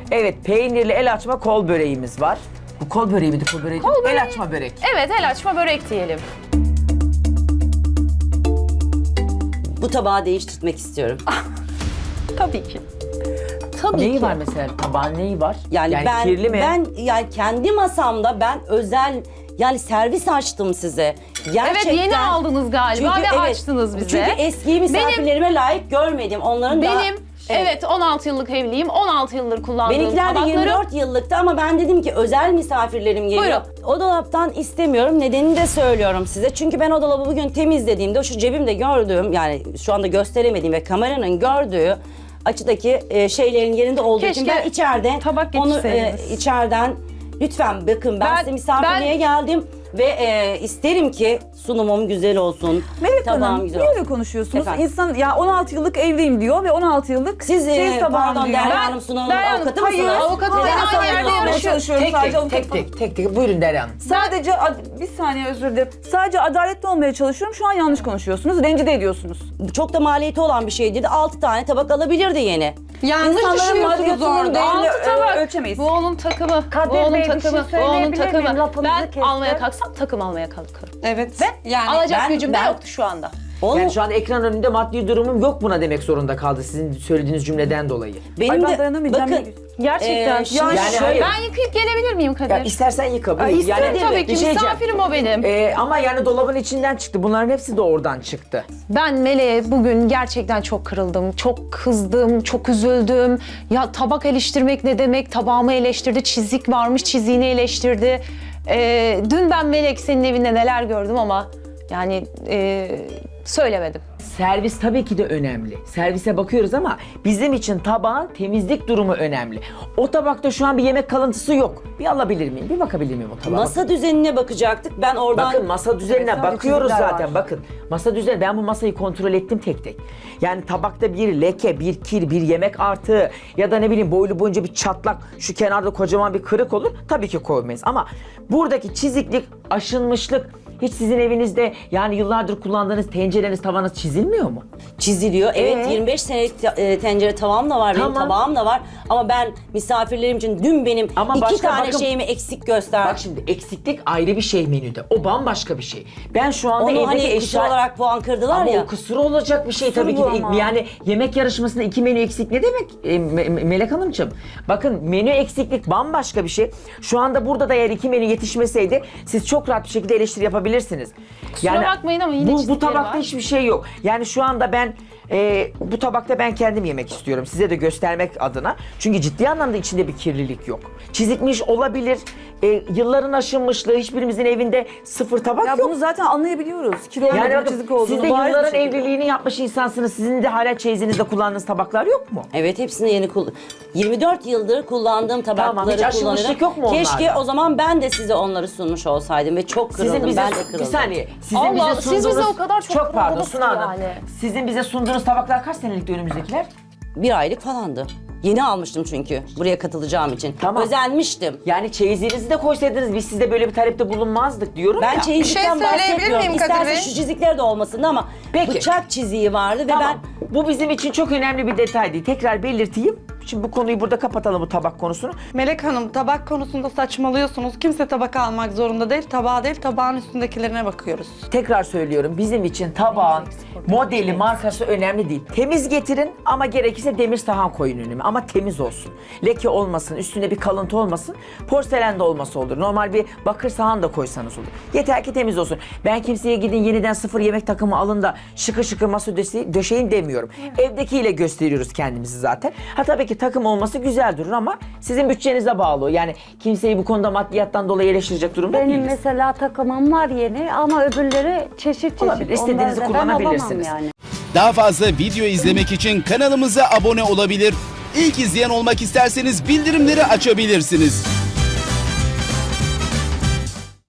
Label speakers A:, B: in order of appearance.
A: Evet, peynirli el açma kol böreğimiz var. Bu kol böreği miydi? Kol böreği değil. El açma börek.
B: Evet, el açma börek diyelim.
C: Bu tabağı değiştirmek istiyorum.
B: Tabii ki. Tabii
A: Neyi
B: ki.
A: var mesela? Tabağın neyi var?
C: Yani,
A: kirli mi?
C: ben yani kendi masamda ben özel yani servis açtım size. Gerçekten.
B: Evet, yeni aldınız galiba ve açtınız bize.
C: Çünkü eski misafirlerime layık görmedim. Onların da
B: Evet, 16 yıllık evliyim. 16 yıldır kullandığım
C: benimkiler de
B: tabakları.
C: 24 yıllıktı ama ben dedim ki özel misafirlerim geliyor. O dolaptan istemiyorum. Nedenini de söylüyorum size. Çünkü ben o dolabı bugün temizlediğimde şu cebimde gördüğüm yani şu anda gösteremediğim ve kameranın gördüğü açıdaki şeylerin yerinde olduğu için
B: Keşke
C: ben içeride
B: tabak
C: onu
B: getirseydiniz.
C: içeriden lütfen bakın ben size misafirliğe geldim ve isterim ki sunumum güzel olsun.
D: Melek
C: tabağım
D: Hanım
C: güzel
D: niye
C: olsun.
D: öyle konuşuyorsunuz?
C: Efendim?
D: İnsan ya 16 yıllık evliyim diyor ve 16 yıllık
C: Siz
D: tabağım
C: pardon
D: diyor.
C: Derya Hanım Sunan'ın
B: Derya Hanım,
C: avukatı
B: hayır,
C: mısınız?
B: avukatı
C: Neden
B: aynı
C: sanıyorsunuz?
B: yerde
D: Anlamaya
B: yarışıyor.
D: çalışıyorum
A: Tek
D: sadece
A: tek,
D: avukat-
A: tek tek. Buyurun Derya Hanım.
D: Sadece bir saniye özür dilerim. Sadece adaletli olmaya çalışıyorum. Şu an yanlış konuşuyorsunuz. Rencide ediyorsunuz.
C: Çok da maliyeti olan bir şey değil. 6 tane tabak alabilirdi yeni.
E: Yanlış
D: İnsanların
E: düşünüyorsunuz
D: maddiyatının
E: orada.
D: değerini
B: Altı tabak.
D: ölçemeyiz.
B: Bu onun takımı.
F: Kadir
B: bu onun
F: Bey, bir şey
B: takımı. bu onun
F: söyleyebilir miyim?
B: takımı.
F: Lafınızı
B: Ben
F: kestim.
B: almaya kalksam takım almaya kalkarım.
E: Evet.
B: Ve
E: yani
B: alacak
C: ben-
B: gücüm de
C: ben-
B: yoktu şu anda.
C: Onu,
A: Yani şu an ekran önünde maddi durumum yok buna demek zorunda kaldı sizin söylediğiniz cümleden dolayı.
C: benim
D: Ay, ben
C: de
D: dayanamayacağım.
C: bakın
B: Gerçekten.
C: şimdi
A: Yani
C: şöyle-
A: hayır.
B: Ben yıkayıp gelebilir miyim Kadir?
A: Ya istersen yıka. buyur.
B: İsterim tabii ki.
A: bir şey diyeceğim.
B: Misafirim o benim.
A: Ama yani dolabın içinden çıktı. Bunların hepsi de oradan çıktı.
B: Ben Meleğe bugün gerçekten çok kırıldım, çok kızdım, çok üzüldüm. Ya tabak eleştirmek ne demek? Tabağımı eleştirdi, çizik varmış, çiziğini eleştirdi. Dün ben Melek senin evinde neler gördüm ama yani söylemedim.
A: Servis tabii ki de önemli. Servise bakıyoruz ama bizim için tabağın temizlik durumu önemli. O tabakta şu an bir yemek kalıntısı yok. Bir alabilir miyim? Bir bakabilir miyim o tabağa?
C: masa düzenine bakacaktık. Ben oradan
A: Bakın masa düzenine
D: Evet,
A: bakıyoruz
D: çizgiler
A: zaten.
D: var.
A: Bakın masa düzeni, ben bu masayı kontrol ettim tek tek. Yani tabakta bir leke, bir kir, bir yemek artığı ya da ne bileyim boylu boyunca bir çatlak, şu kenarda kocaman bir kırık olur. Tabii ki koymayız ama buradaki çiziklik, aşınmışlık hiç sizin evinizde yani yıllardır kullandığınız tencereniz, tavanız çizilmiyor mu?
C: çiziliyor. Evet 25 senelik tencere tavam da var, benim
A: Tamam.
C: tabağım da var. Ama ben misafirlerim için dün benim
A: Ama
C: 2
A: başka
C: tane
A: bakın-
C: şeyimi eksik gösterdim.
A: Bak şimdi eksiklik ayrı bir şey menüde. O bambaşka bir şey. Ben şu anda
C: Onu
A: evdeki
C: hani kusur olarak puan kırdılar
A: Ama
C: ya.
A: o kusur olacak bir şey tabii ki
D: bu
A: de.
D: ama.
A: Yani yemek yarışmasında 2 menü eksik ne demek Melek Hanımcığım? Bakın menü eksiklik bambaşka bir şey. Şu anda burada da eğer 2 menü yetişmeseydi siz çok rahat bir şekilde eleştiri yapabilirsiniz.
B: Kusura bakmayın ama yine
A: bu
B: çizikleri
A: tabakta
B: var.
A: hiçbir şey yok. Yani şu anda ben bu tabakta ben kendim yemek istiyorum. Size de göstermek adına. Çünkü ciddi anlamda içinde bir kirlilik yok. Çizikmiş olabilir. Yılların aşınmışlığı, hiçbirimizin evinde sıfır tabak
D: Ya
A: yok.
D: bunu zaten anlayabiliyoruz. Kilo
A: Yani
D: yani
A: bakın,
D: çizik olduğunu.
A: siz de
D: bariz bir
A: yılların
D: şekilde.
A: evliliğini yapmış insansınız. Sizin de hala çeyizinizde kullandığınız tabaklar yok mu?
C: Evet hepsini yeni 24 yıldır kullandığım tabakları
A: Tamam, hiç aşınmışlık yok mu onlarda?
C: Keşke o zaman ben de size onları sunmuş olsaydım ve çok kırıldım.
A: Sizin bize
C: ben de kırıldım.
A: bir saniye. Sizin
B: Allah,
A: bize
B: siz bize
A: sunduğunuz
B: o kadar çok
A: çok pardon
B: kırıldınız
A: Suna
B: ki
A: Hanım.
B: yani.
A: Sizin bize sunduğunuz tabaklar kaç senelikti önümüzdekiler?
C: 1 aylık falandı. Yeni almıştım çünkü buraya katılacağım için.
A: Tamam.
C: Özenmiştim.
A: Yani çeyizinizi de koysaydınız biz sizde böyle bir talepte bulunmazdık diyorum
C: Ben
A: ya.
C: çeyizlikten
E: Bir şey söyleyebilir
C: bahsetmiyorum.
E: miyim Kadir
C: İsterse
E: Bey?
C: şu çizikler de olmasın ama
A: Peki.
C: bıçak çiziği vardı ve
A: Tamam. Bu bizim için çok önemli bir detay değil. Tekrar belirteyim. Şimdi bu konuyu burada kapatalım, bu tabak konusunu.
E: Melek Hanım, tabak konusunda saçmalıyorsunuz. Kimse tabak almak zorunda değil. Tabağa değil, tabağın üstündekilerine bakıyoruz.
A: Tekrar söylüyorum, bizim için tabağın modeli, markası önemli değil. Temiz getirin ama gerekirse demir sahan koyun önüme ama temiz olsun. Leke olmasın, üstünde bir kalıntı olmasın, porselen de olması olur. Normal bir bakır sahan da koysanız olur. Yeter ki temiz olsun. Ben kimseye gidin yeniden sıfır yemek takımı alın da şıkır şıkır masa döşeyin demiyorum. Evdekiyle gösteriyoruz kendimizi zaten. Ha tabii ki takım olması güzel durur ama sizin bütçenize bağlı. Yani kimseyi bu konuda maddiyattan dolayı eleştirecek durumda
F: Benim
A: değiliz.
F: mesela takımım var yeni ama öbürleri çeşit çeşit.
A: Olabilir, istediğinizi
F: Onları da ben alamam
A: kullanabilirsiniz.
F: yani.
G: Daha fazla video izlemek için kanalımıza abone olabilir. İlk izleyen olmak isterseniz bildirimleri açabilirsiniz.